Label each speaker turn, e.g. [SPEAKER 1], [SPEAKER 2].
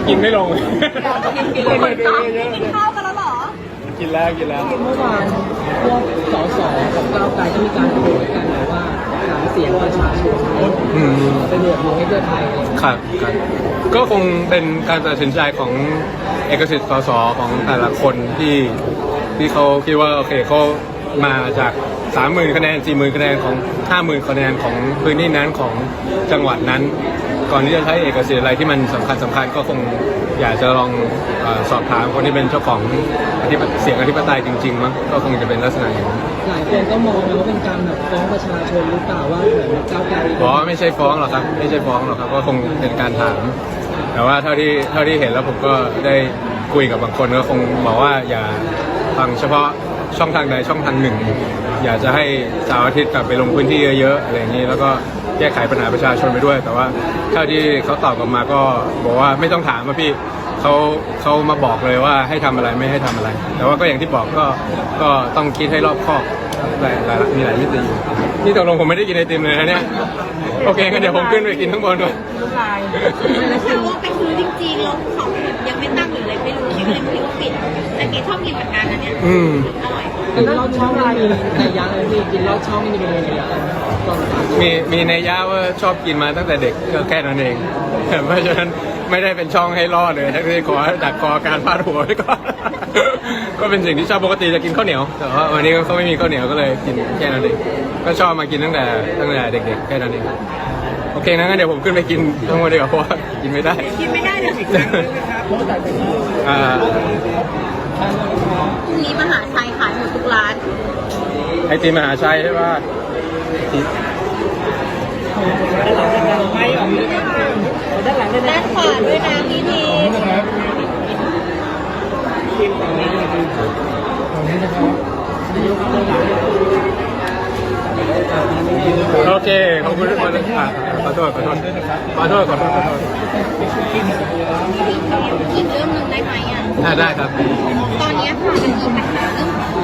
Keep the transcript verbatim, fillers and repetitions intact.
[SPEAKER 1] กินไม่ลง
[SPEAKER 2] กินเลยกินข้าวกันแล้วเหรอ
[SPEAKER 1] กินแล้วกินแล้ว
[SPEAKER 3] เมื่อวานพวกสสของก้าวไกลก็มีการโหวตกันแบบว่าหาเสียงประชาชนไปโหวตลงให้เพื่อไทย
[SPEAKER 1] ครับครับก็คงเป็นการตัดสินใจของเอกสิทธิ์สสของแต่ละคนที่ที่เขาคิดว่าโอเคเขามาจากสามหมื่นคะแนนสี่หมื่นคะแนนของห้าหมื่นคะแนนของพื้นที่นั้นของจังหวัดนั้นก่อนที่จะใช้เอกสิทธิ์อะไรที่มันสำคัญสำคัญก็คงอยากจะลองเอ่อสอบถามคนที่เป็นเจ้าของเสียงอธิปไตยจริงๆมั้งก็คงจะเป็นลักษณะอย่างนั้น
[SPEAKER 3] หลายคนก็มองว่าเป็นการแบบฟ้องประชาชนหรือเปล่าว่าเหมือนก้าวไกล
[SPEAKER 1] อ๋อไม่ใช่ฟ้องหรอกครับไม่ใช่ฟ้องหรอกครับก็คงเป็นการถามแต่ว่าเท่าที่เท่าที่เห็นแล้วผมก็ได้คุยกับบางคนก็คงบอกว่าอย่าฟังเฉพาะช่องทางใดช่องทางหนึ่งอยากจะให้เสาร์อาทิตย์กลับไปลงพื้นที่เยอะๆอะไรอย่างนี้แล้วก็แก้ไขปัญหาประชาชนไปด้วยแต่ว่าเท่าที่เขาตอบกลับมาก็บอกว่าไม่ต้องถามว่าพี่เขาเขามาบอกเลยว่าให้ทำอะไรไม่ให้ทำอะไรแต่ว่าก็อย่างที่บอกก็ก็ต้องคิดให้รอบคอบหลายหลายมีหลายมิตินี่ตกลงผมไม่ได้กินไอติมเลยนะเนี่ยโอเคงั้นเดี๋ยวผมขึ้นไปกินข้างบนด้วย
[SPEAKER 2] แล้วถ้าว่าไปซื้อจริงๆแล้วเขายังไม่ตั้งหรืออะไรไม่รู้คิดว่ายังไม่รู้ปิดแต่เกดชอบกินเหมือนกันนะเนี่ย
[SPEAKER 1] อืม
[SPEAKER 2] อร่อย
[SPEAKER 3] กินลอดช่องอะไรในยะเลยพี่กินลอดช่องนี่มีในยะ
[SPEAKER 1] มีมีในยะว่าชอบกินมาตั้งแต่เด็กก็แค่นั้นเองเพราะฉะนั้นไม่ได้เป็นช่องให้รอดเลยทั้งที่ขอดักคอการพาดหัวไว้ก่อนก็เป็นสิ่งที่ชอบปกติจะกินข้าวเหนียวแต่ว่าวันนี้เขาไม่มีข้าวเหนียวก็เลยกินแค่นั้นเองก็ชอบมากินตั้งแต่ตั้งแต่เด็กๆแค่นั้นเองโอเคงั้นเดี๋ยวผมขึ้นไปกินทั้งหมดดีกว่าเพราะว่ากินไม่ได้
[SPEAKER 2] กินไม่ได้เลย
[SPEAKER 1] อ่า
[SPEAKER 2] พรุ่งนี้มหาชัยขายหมดทุกร้าน
[SPEAKER 1] ไอติมมหาชัยใช่ป่ะ
[SPEAKER 2] ด้านขวาด้วยนะพี่ที
[SPEAKER 1] โอเคขอบคุณทุกคนขอโทษขอโทษขอโทษขอโทษขอโทษ
[SPEAKER 2] อีกเรื่องหนึ่งได้ไหมอ่ะ
[SPEAKER 1] ได้ครับ
[SPEAKER 2] ตอนนี้ค่ะมันมีปัญหาเรื่อง